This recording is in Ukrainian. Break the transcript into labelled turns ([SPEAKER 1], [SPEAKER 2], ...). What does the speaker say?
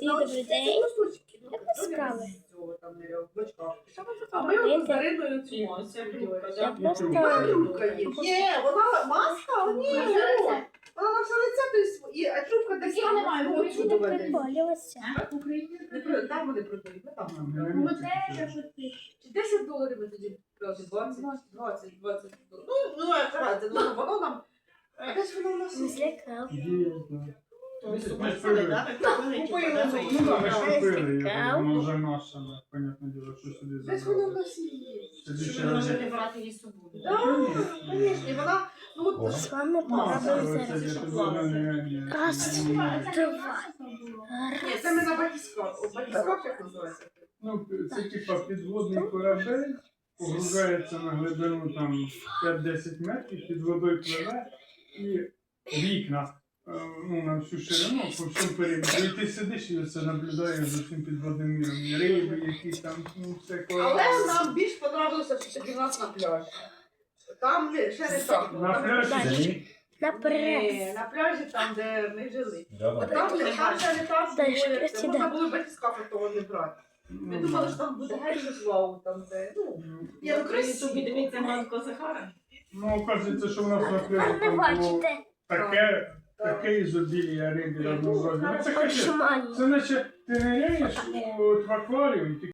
[SPEAKER 1] Всім добрий день. Як у вас справи?
[SPEAKER 2] А ми от з Дариною цьомося.
[SPEAKER 1] Я просто...
[SPEAKER 2] Трубка є, вона маска, ні, вона на все лице, а трубка десь там немає,
[SPEAKER 1] Я не приколювалася.
[SPEAKER 2] в Україні. Там вони продають, ми там. $10 ми тоді брали, 20 $20. Ну, як разі, воно нам, десь воно у нас
[SPEAKER 1] Не злякав.
[SPEAKER 2] Ми купили, так? Купили ми її.
[SPEAKER 3] Ну так, ми ж купили її,
[SPEAKER 1] Цікаво.
[SPEAKER 3] воно вже наше, понятне діло, що сюди
[SPEAKER 2] Десь воно у
[SPEAKER 3] забрали.
[SPEAKER 2] нас є.
[SPEAKER 3] Тоді ще
[SPEAKER 4] Щоб
[SPEAKER 3] раз.
[SPEAKER 4] може не брати її з собою.
[SPEAKER 2] Так, звісно, і вона, ну от,
[SPEAKER 1] З вами
[SPEAKER 3] Маска,
[SPEAKER 1] попробую
[SPEAKER 3] це
[SPEAKER 1] зараз.
[SPEAKER 3] я тут
[SPEAKER 1] Раз,
[SPEAKER 3] не-
[SPEAKER 1] два.
[SPEAKER 2] ні, це ми на батискаф. Батискаф як називається?
[SPEAKER 3] Ну, це типа підводний корабель, погружається на глибину там 5-10 метрів, під водою пливе і вікна ну, на всю ширину, по всьому периметру. І ти сидиш і це наблюдаєш за цим підводним міром. І риби, які там, ну, все
[SPEAKER 2] Але нам більш подобалося все-таки в нас на пляжі. Там ще не так. було.
[SPEAKER 3] На
[SPEAKER 2] Там-
[SPEAKER 3] пляжі.
[SPEAKER 1] Наперед.
[SPEAKER 2] Ні, на пляжі там, де ми жили.
[SPEAKER 5] Да,
[SPEAKER 2] Там ще не так
[SPEAKER 1] Дальше
[SPEAKER 2] було, як це.
[SPEAKER 1] присідай.
[SPEAKER 2] Можна було батискафи того не брати. Ми думали, що там буде геть вау, там де, ну, я
[SPEAKER 4] В Україні тобі дивиться Ганко Захара.
[SPEAKER 3] Ну, оказується, що в нас на пляжі
[SPEAKER 1] Не
[SPEAKER 3] там було
[SPEAKER 1] бачите.
[SPEAKER 3] таке ізобілія риби разнообразне. Ну, це капець.
[SPEAKER 1] Очмані.
[SPEAKER 3] Це наче ти ниряєш в акваріум,